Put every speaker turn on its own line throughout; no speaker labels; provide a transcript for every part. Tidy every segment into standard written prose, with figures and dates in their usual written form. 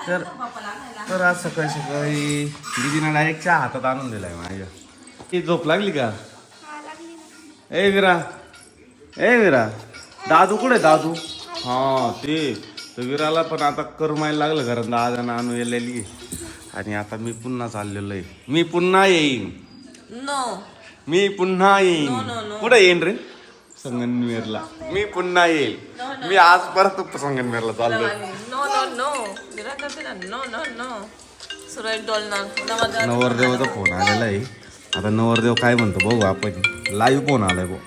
तर तर आज सकाळी सकाळी दीदीनं डायरेक्ट चहा हातात आणून दिलाय माझ्या. ती झोप लागली का? ए विरा दादू कुठे दादू? हा ते तर विराला पण आता करमायला लागलं घरात दादानं आणून येलेली. आणि आता मी पुन्हा चाललेलो आहे. मी पुन्हा येईन.
नो
मी पुन्हा येईन.
No, no, no.
कुठे येईन रे? संगमनेरला. मी पुन्हा येईल. मी आज परत संगमनेरला चाललोय.
No no no no no no Suresh डोलणार
नवरदेवाचा फोन आलेला आहे. आता नवरदेव काय म्हणतो बघू आपण. लाईव्ह फोन आलाय भाऊ.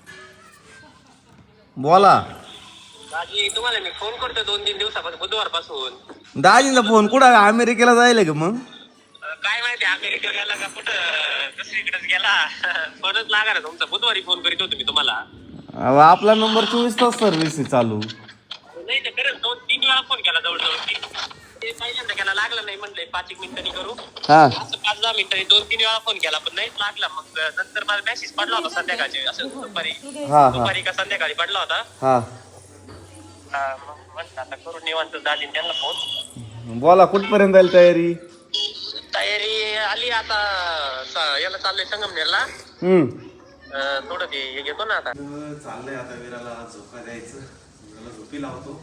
बोला.
दाजी तुम्हाला मी फोन करतो 2-3 दिवसापासून बुधवारपासून.
दाजीला फोन कुठं अमेरिकेला जायला का मग?
काय माहिती अमेरिकेला गेला का कुठं दुसरीकडेच गेला. फोनच लागा ना तुमचा. बुधवारी फोन करीत होतो मी तुम्हाला.
आपला नंबर 24 तास सर्व्हिस आहे चालू.
नाही तर खरंच 2-3 वेळा फोन केला जवळजवळ. ते पहिल्यांदा केला लागला नाही म्हणलंय 5-1 मिनिटांनी करू.
हा
असं 5-10 मिनिटांनी 2-3 वेळा फोन केला पण नाहीच लागला. मग नंतर मला मेसेज पडला होता संध्याकाळचे असं दुपारी का संध्याकाळी पडला होता.
हा
मग म्हणलं आता करून निवांत दाजी त्यांना फोन.
बोला कुठपर्यंत जाईल तयारी?
तयारी आली आता. याला चाललंय संगमनेरला. थोडं ते हे घेतो ना आता.
चाललंय आता विराला झोका द्यायचं. विराला झोपी लावतो.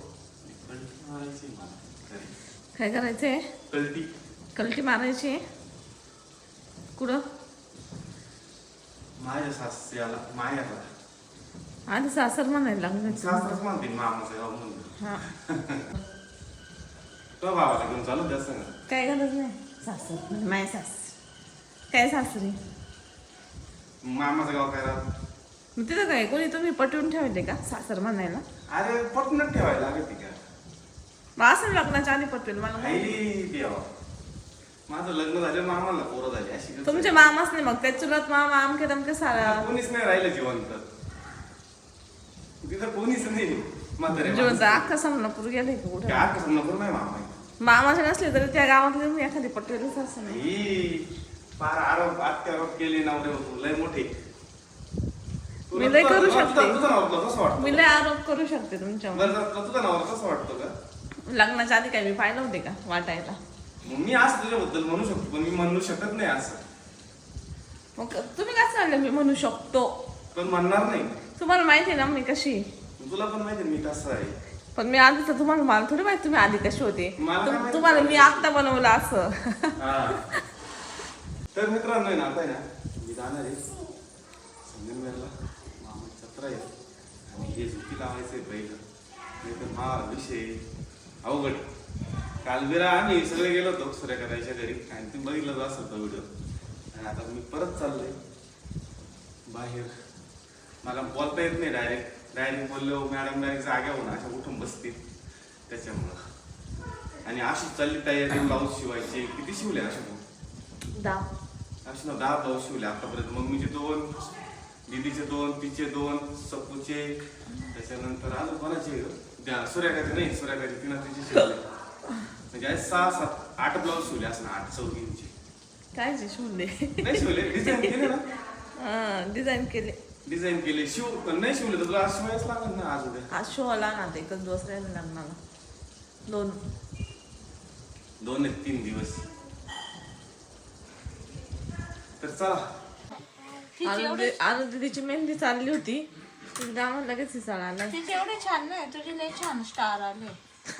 काय करायचंय?
कल्टी
कलटी मारायची कुठं?
माझ्या सासऱ्याला माहेरला.
आधी सासर म्हणायला लागलं.
सासराच म्हणते मामाचं गाव म्हणून.
हा
तो भावाला घेऊन चालू द्या सांग.
काय गरज नाही. सासर म्हणजे माझ्या सास काय सासरी
मामाचं गाव काय राहत?
मग तिथं काय कोणी तुम्ही पटवून ठेवले का सासर म्हणायला?
अरे पटूनच ठेवायला लागत का?
मग असं लग्नाच्या आधी पटवेल मला काय?
आई देवा माझं लग्न झालं मामाला पोरं झाली अशी गत
तुमचे मामाच नाही मग त्या चुलत मामा आमके तमके सारा
कोणीच नाही राहिलं जिवंत. तिथं कोणीच नाही म्हातारे
जिवंत अख्खा समनापूर गेले का कुठे?
काय कसं नको नाही मामा आहे.
मामाचे नसले तरी त्या गावातले मी एखादी पटवेलच असं नाही.
ही फार आरोप अत्यारोप केले नवरे होतो लय मोठे.
मी लय करू शकते.
तुझं नाव कसं वाटतं?
मी लय आरोप करू शकते तुमच्यावर.
बरं तुझं नाव कसं वाटतं का?
लग्नाच्या आधी काय मी पाहिलं होते का वाटायला?
मग मी असं तुझ्याबद्दल म्हणू शकतो पण मी म्हणू शकत नाही असं.
मग तुम्ही काय चाललं मी म्हणू शकतो?
पण म्हणणार नाही.
तुम्हाला माहिती आहे ना मी कशी?
तुला पण माहिती मी कसं आहे.
पण मी आधी तर तुम्हाला मला थोडी माहिती तुम्ही आधी कशी होते. तुम्हाला मी आत्ता बनवलं असं.
तर मित्रांनो आहे ना आता आहे ना मी जाणार आहे संगमनेरला. मामाची जत्रा आहे आणि हे झुकी लावायचंय पहिलं. नाही तर हा विषय अवघड. काल विरा आम्ही सगळे गेलो होतो सूर्यकांताच्या घरी आणि तुम्ही बघितलं असं व्हिडिओ. आणि आता मी परत चाललोय बाहेर. मला बोलता येत नाही डायरेक्ट बोललो मॅडम डायरेक्ट जाग्या होऊन अशा उठून बसतील त्याच्यामुळं. आणि अशीच चालली तयारी. ब्लाऊज शिवायचे किती शिवले अशा असे ना 10 ब्लाऊज शिवले आतापर्यंत. मम्मीचे 2, दीदीचे 2, तिचे 2, सपूचे. त्याच्यानंतर अजून कोणाचे सूर्यकांती नाही सूर्यकांती तिनं तिचे शिवले. म्हणजे 6, 7, 8 ब्लाऊज शिवले असं ना 8 चौघींचे.
काय शिवले?
नाही शिवले डिझाईन केले ना. डिझाईन केले. नाही शिवले तर तुला आज शिवायच लागेल ना. आज उद्या
आज शो आला ना ते एकच दिवस राहिले लग्नाला.
2 एक 3 दिवस. तर चला
दीदीची मेहंदी चालली होती. गावात लगेच हिसाळ आला.
तिचे एवढे छान नाही तुझे लय छान स्टार आले.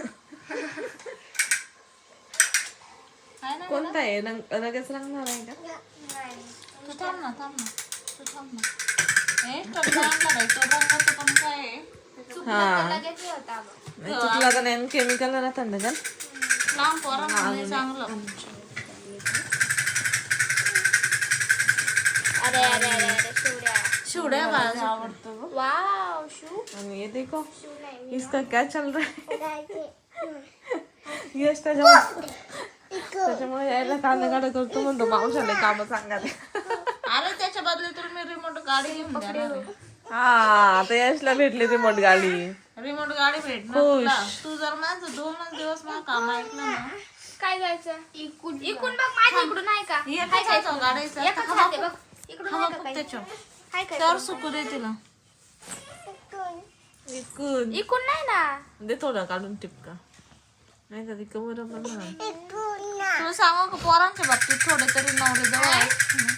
कोणता आहे लगेच रंगणार आहे का?
तू थांब ना तू थांब ना. तो रंगाचं पण काय आहे?
हा चुकला का नाही केमिकल राहतात ना का?
लांब पोरांना चांगलं.
शिवड्या आवडतो.
वाव शू.
आणि ये देखो इसका क्या चल रहा है. यश त्याच्यामुळे यायला काढा करतो म्हणतो मावशाला काम सांगायला.
अरे त्याच्या बदले तर मी रिमोट गाडी घेऊन देणार आहे.
हा आता यशला भेटली रिमोट गाडी.
रिमोट गाडी भेटणार तुला. तू जर माझं 2 दिवस मला काम ऐकलं ना.
काय जायचं इकून बघ माझ्या इकडून आहे का?
काय जायचं गाडीचं
एकच हात आहे बघ इकडून आहे का काही?
त्याच्या
हाय काय?
तर सुकू दे तिला.
इकून
इकून नाही ना.
दे थोडं काढून टिपका. नाही तर ती कवर पण ना.
तुला सांगू का पोरांच्या बाबतीत थोडे तरी नवरे जवळ आहेत.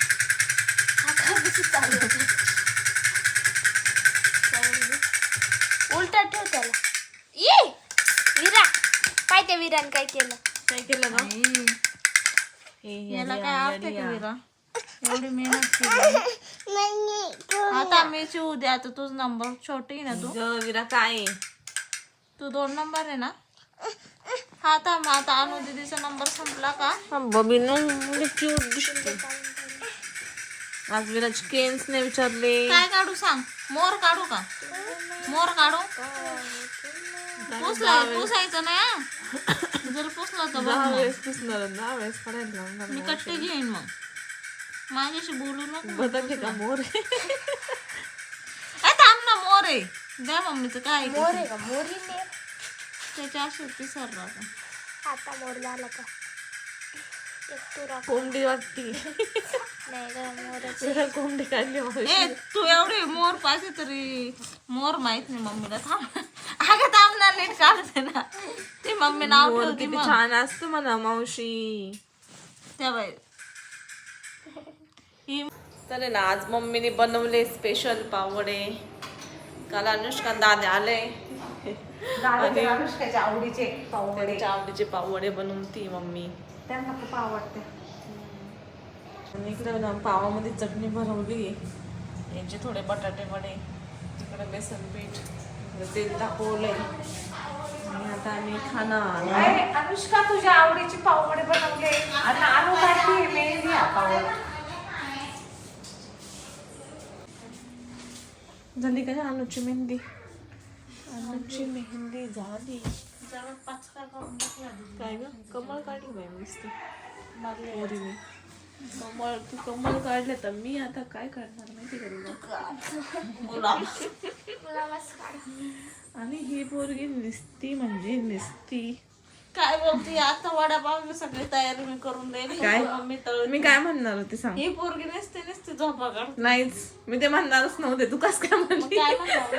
उलटा ठेव त्याला. ये विरा काय त्या विरान काय केलं?
काय केलं ना
याला काय आवडते का विरा? एवढी मेहनत केली. आता मी चिवू दे. आता तुझ नंबर छोटी आहे ना तू.
विरा काय
तू 2 नंबर आहे ना. हा थांब आता अनु दीदीचा नंबर संपला का?
बबिनो क्यूट दिसते. आज विराज केन्स ने विचारले
काय काढू सांग. मोर काढू का? मोर काढू. पुसायचं नाही हा. जर पुसलं तर बघ ना.
वेळेस पुसणार ना वेळेस पडायला लागणार.
मी कट्टे घेईन मग. माझ्याशी बोलू नको.
बदलले का मोर
थांब ना मोर आहे. द्या मम्मीचं काय
मोर आहे का? मोरीने
त्याच्या अशी पिसर राहतं.
आता मोर झाला का? एक तुरा
कोंबडी वाटती.
नाही ग मोरच.
विरा कोंबडी काढली मावशी.
ए तू एवढे मोर पाहिजे तरी मोर माहित नाही मम्मीला. थांब अगं थांब ना नीट काढते ना. ती मम्मी नाव
मोर
ठेवती
किती
मग.
छान असतं म्हणा मावशी.
त्या बाई
तर ना आज मम्मीने बनवले स्पेशल पावडे. काल अनुष्का दादा आले आणि
अनुष्काच्या आवडीचे
त्यांच्या आवडीचे पावडे बनवून ती मम्मी.
त्यांना खूप आवडते.
आणि इकडे ना पावामध्ये चटणी भरवली. यांचे थोडे बटाटे वडे, तिकडे बेसन पीठ, इकडे तेल टाकवलंय आणि आता आम्ही खाणार.
अनुष्का तुझ्या आवडीचे पावडे बनवले आणि अनु काढली मेहंदी पावडे.
झाली का अनुची मेहंदी? अनुची मेहंदी झाली. काय ग कमळ काढली बाई मस्त. मोरीने कमळ. तू कमळ काढले तर मी आता काय काढणार माहिती का? आणि ही पोरगी निसती म्हणजे निसती.
काय बोलती आता वडापाव सगळी तयारी मी करून देईल.
काय?
मम्मी तळ.
मी काय म्हणणार होते सांग.
ही पोरगी नसते झोपा काढ.
नाहीच मी ते म्हणणारच नव्हते. तू कस काय म्हणली?
काय म्हणणार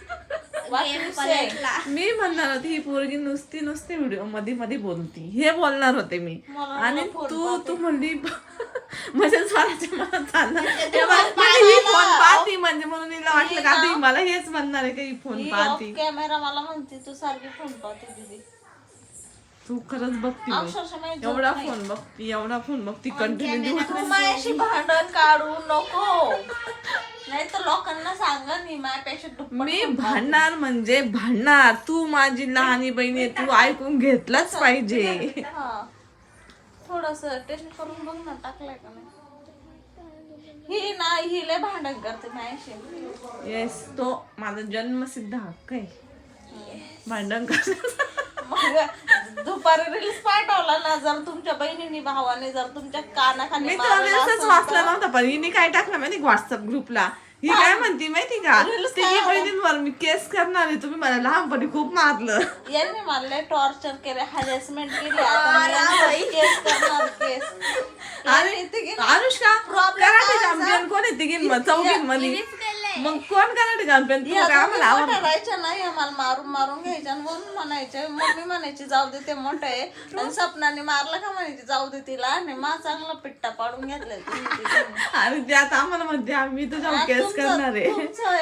मी म्हणणार होती ही पोरगी नुसती व्हिडिओ मध्ये मध्ये बोलती हे बोलणार होते मी. आणि तू म्हणली म्हणजे स्वराच्या मनात आलं ही फोन पाहती म्हणजे म्हणून हिला वाटलं का आता ही मला हेच म्हणणार आहे का ही फोन पाहती.
कॅमेरा मला म्हणते तू सारखी फोन पाहते दीदी.
तू खरंच बघती
अक्षरशः माझी झोप
एवढा
नाही.
फोन बघती कंटिन्यू.
तू माझ्याशी भांडण काढू नको नाही तर लोकांना सांगा मी माझ्यापेक्षा दुप्पट
मी भांडणार म्हणजे भांडणार. तू माझी लहानी बहिणी तू ऐकून घेतलाच पाहिजे.
थोडस टेस्ट करून बघ ना टाकलाय का नाही. ही ना ही लय भांडण करते माझ्याशी.
येस तो माझा जन्मसिद्ध हक्क आहे भांडण करण्याचा.
मग दुपारी रील्स पाठवला ना जर तुमच्या बहिणीने भावाने जर तुमच्या कानाखाली
मी
मारलं
तर
असेल
वाचला नव्हता पण हिने काय टाकलं माहिती व्हॉट्सअप ग्रुपला. ही काय म्हणती माहिती का तिघी बहिणींवर मी केस करणार आहे. तुम्ही मला लहानपणी खूप मारलं.
यांनी मला टॉर्चर केले हॅरेसमेंट केली. आता मी केस करणार केस.
आणि अनुष्का कराटे चॅम्पियन कोण आहे चौघींमध्ये? मग कोण कराटे चॅम्पियन? तू काय मला आवडतं
करायच्या नाही मला मारून मारून घ्यायच्या म्हणून म्हणायचे. मम्मी म्हणायची जाऊ दे ते मोठं आहे आणि सपनाने मारलं का म्हणायची जाऊ दे तिला आणि मा चांगला पिट्टा पाडून घेतलाय.
आणि त्यात आम्हाला म्हणते आम्ही तुझ्यावर केस करणार आहे.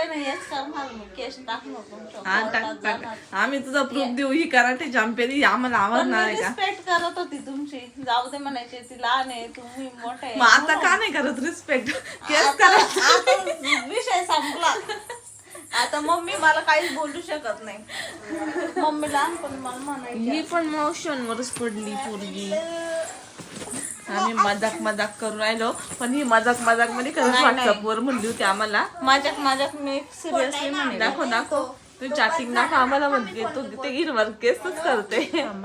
आम्ही तुझा प्रूफ देऊ ही कराटे चॅम्पियन ही आम्हाला आवडणार आहे का?
रिस्पेक्ट करत होती तुमची. जाऊ दे म्हणायचे ती लहान आहे तुम्ही मोठे.
मग आता का नाही करत रिस्पेक्ट? केस करायचं
विषय संपला. आता मम्मी मला काहीच बोलू शकत नाही. मम्मी लहानपणी मला म्हणायची
ही पण मोशनवरच पडली पोरगी. आम्ही मजाक करून राहिलो पण ही मजाक मध्ये खरंच व्हॉट्सअपवर म्हणली होती आम्हाला.
माझ्यात मी सिरियसली म्हणे
दाखव तू चॅटिंग दाखव आम्हाला म्हणते तू ते गिरवर केसच करते.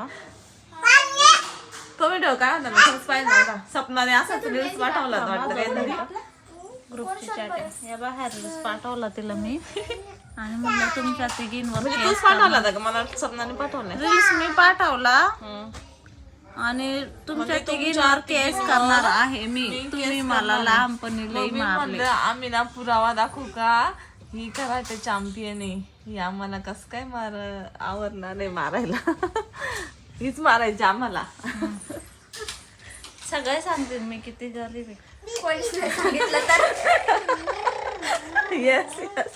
तो व्हिडिओ काय होता मी खरंच पाहिजे नव्हता. सपनाने असाच रील्स पाठवला वाटतं काहीतरी
ग्रुपची चॅटिंग या बाहेर पाठवला तिला मी आणि म्हणलं तुमच्या तिघींवर
म्हणजे तूच पाठवला होता का? मला सपनाने पाठवलाय
रील्स मी पाठवला आणि तुमच्या तिघींवर केस करणार आहे मी. तुम्ही मला लहानपणी लई मारले.
आम्ही ना पुरावा दाखवू का ही कराटे चॅम्पियन आहे. ही आम्हाला कस काय आवडणार आहे मारायला. हीच मारायची आम्हाला.
सगळे सांगतील मी किती गरीब आहे.
कोणीच नाही सांगितलं तर.
Yes yes.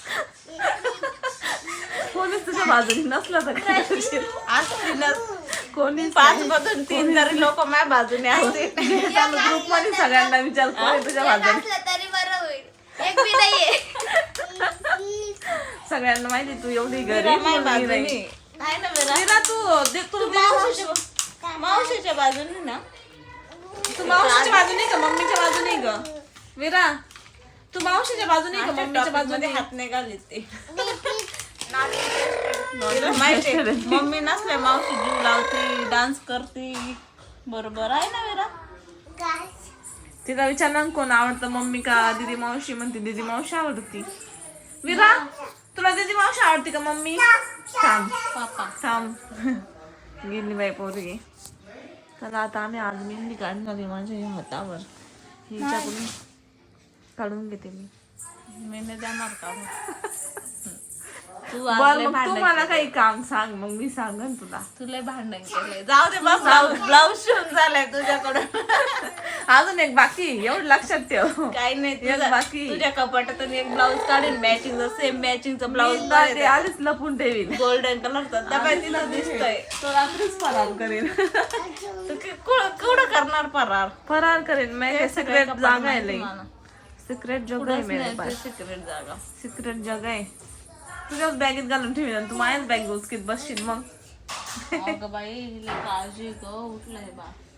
कोणीच तुझ्या बाजूने नसलं तर काय करशील? कोणीच
5 मधून 3 तरी लोक माझ्या बाजूने असतील.
ग्रुप मध्ये सगळ्यांना विचार कोण आहे तुझ्या
एक
बाजूने.
असलं तरी बरं होईल. एक बी नाहीये.
सगळ्यांना माहिती तू एवढी
मीरा
गरीब
माझ्या
मुलगी
बाजूने
नाही.
आहे ना मीरा?
मीरा तू
मावशीच्या बाजूने ना.
तू मावशीच्या बाजूने का मम्मीच्या बाजूने ग? वीरा तू मावशीच्या बाजूने का मम्मीच्या
मध्ये
बाजूने?
हात नाही घालीत ते. तिला माहिती आहे, मम्मी नसल्या मावशी जीव लावती, डान्स करती. बरोबर आहे ना मीरा?
तिला विचारणार कोण आवडतं, मम्मी का दीदी मावशी? म्हणते दीदी मावशी आवडती. वीरा तुला दीदी मावशी आवडती का मम्मी? थांब थांब. गेली बाई पोरगी. तर आता आम्ही आज मेहंदी काढणार आहे माझ्या या हातावर. हिच्याकडून काढून घेते मी.
मी नाही जाणार का मग? तू
बर
आज लय
मग तू
भांडण
मला काही काम सांग, मग मी सांगन तुला.
तुला भांडण केलंय. जाऊ दे बस. ब्लाऊज शिवून झालाय तुझ्याकडून.
अजून एक बाकी, एवढं लक्षात ठेव.
काही नाही
एक बाकी.
तुझ्या कपाटातून एक ब्लाऊज काढेन मॅचिंग, सेम मॅचिंगचा ब्लाऊज
ते आधीच लपून ठेवीन.
गोल्डन कलरचा. त्या तिला दिसतोय.
तो रात्रीच फरार करेन.
तू कुठं करणार फरार?
फरार करेन. मैं सिक्रेट जागा आहे लई. सिक्रेट जगह आहे मेरे पास.
सिक्रेट जागा.
सिक्रेट जगह आहे. तुझ्याच बॅगेत घालून ठेवीन आणि तू माझ्याच बॅग उचकीत बसशील मग.
अगं बाई, हिला काळजी ग. उठलंय बा.